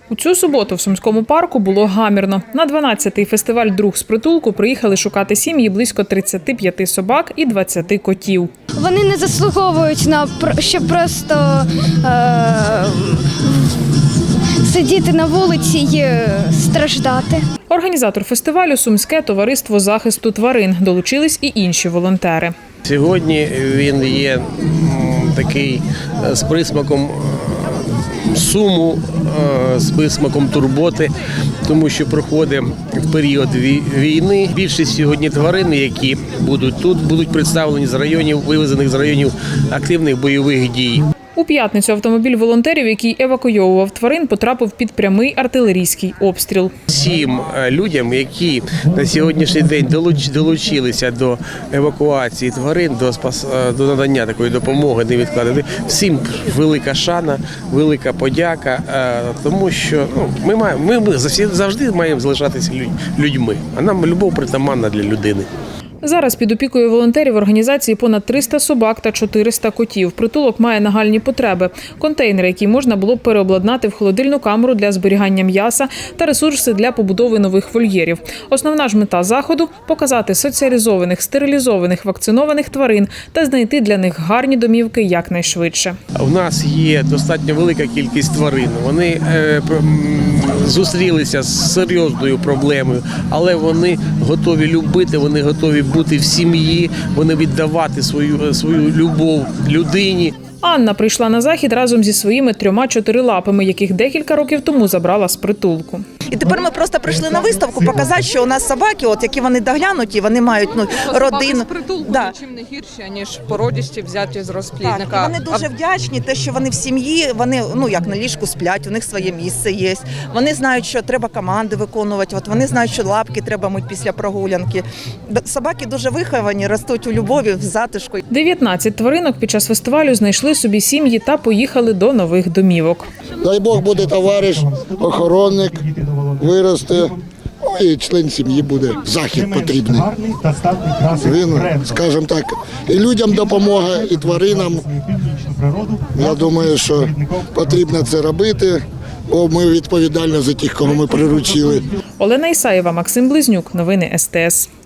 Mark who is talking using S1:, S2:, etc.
S1: У цю суботу в Сумському парку було гамірно. На 12-й фестиваль «Друг з притулку» приїхали шукати сім'ї близько 35 собак і 20 котів.
S2: Вони не заслуговують на щоб просто сидіти на вулиці і страждати.
S1: Організатор фестивалю – Сумське товариство захисту тварин. Долучились і інші волонтери.
S3: Сьогодні він є такий з присмаком суму, з присмаком турботи, тому що проходить в період війни. Більшість сьогодні тварин, які будуть тут, будуть представлені з районів, вивезених з районів активних бойових дій.
S1: У п'ятницю автомобіль волонтерів, який евакуйовував тварин, потрапив під прямий артилерійський обстріл.
S3: Всім людям, які на сьогоднішній день долучилися до евакуації тварин, до надання такої допомоги невідкладної, всім велика шана, велика подяка, тому що ми завжди маємо залишатися людьми, а нам любов притаманна для людини.
S1: Зараз під опікою волонтерів організації понад 300 собак та 400 котів. Притулок має нагальні потреби. Контейнери, які можна було б переобладнати в холодильну камеру для зберігання м'яса та ресурси для побудови нових вольєрів. Основна ж мета заходу – показати соціалізованих, стерилізованих, вакцинованих тварин та знайти для них гарні домівки якнайшвидше.
S3: У нас є достатньо велика кількість тварин. Вони зустрілися з серйозною проблемою, але вони готові любити, вони готові бути в сім'ї, вони віддавати свою любов людині.
S1: Анна прийшла на захід разом зі своїми 3 чотирилапими, яких декілька років тому забрала з притулку.
S4: І тепер ми просто прийшли на виставку показати, що у нас собаки, які вони доглянуті, вони мають родину.
S5: З притулку нічим не гірші, ніж породісті взяті з розплідника.
S4: Так, вони дуже вдячні, те, що вони в сім'ї, вони як на ліжку сплять, у них своє місце є. Вони знають, що треба команди виконувати, вони знають, що лапки треба мити після прогулянки. Собаки дуже виховані, ростуть у любові, в затишку.
S1: 19 тваринок під час фестивалю знайшли собі сім'ї та поїхали до нових домівок.
S6: Дай Бог буде товариш, охоронник, виросте, і член сім'ї буде. Захід потрібний. Він, скажімо так, і людям допомога, і тваринам. Я думаю, що потрібно це робити, бо ми відповідальні за тих, кого ми приручили.
S1: Олена Ісаєва, Максим Близнюк. Новини СТС.